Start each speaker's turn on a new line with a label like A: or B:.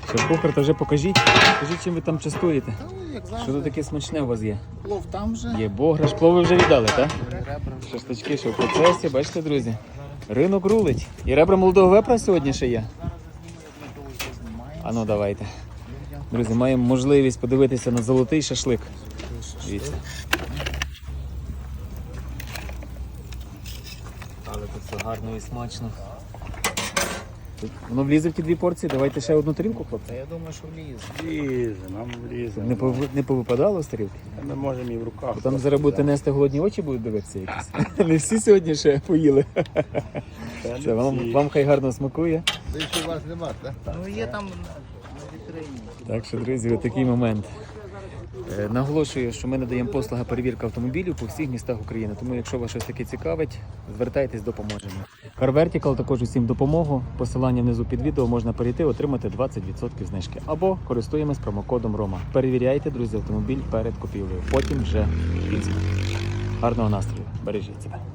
A: Шеф-кухар, то вже покажіть, чим ви там частуєте.
B: Як
A: Що
B: завжди,
A: тут таке смачне у вас є?
B: плов там же.
A: Є бограш, плови вже віддали, так?
B: Ребра.
A: Шашлички, що в процесі, бачите, друзі. Ринок рулить. І ребра молодого вепра сьогодні ще є. А ну давайте. Друзі, маємо можливість подивитися на золотий шашлик. Дивіться. Але тут все гарно і смачно. Воно влізе в ті дві порції, давайте ще одну тарілку, хлопці.
B: Та я думаю, що влізе.
C: Лізе, нам влізе.
A: Не повипадало з тарілки?
C: Ми можемо і в руках.
A: Бо там зараз будете нести голодні очі, будуть дивитися якісь. Не всі сьогодні ще поїли. Це, вам хай гарно смакує.
B: Більше у вас нема, так? Ну є там на вітрині.
A: Так що, друзі, отакий момент. Наголошую, що ми надаємо послуги перевірки автомобілів по всіх містах України. Тому, якщо вас щось таке цікавить, звертайтесь, допоможемо. Car Vertical також усім допомогу. Посилання внизу під відео можна перейти, отримати 20% знижки. Або користуємось промокодом ROMA. Перевіряйте, друзі, автомобіль перед купівлею. Потім вже в Мінську. Гарного настрою. Бережіть себе.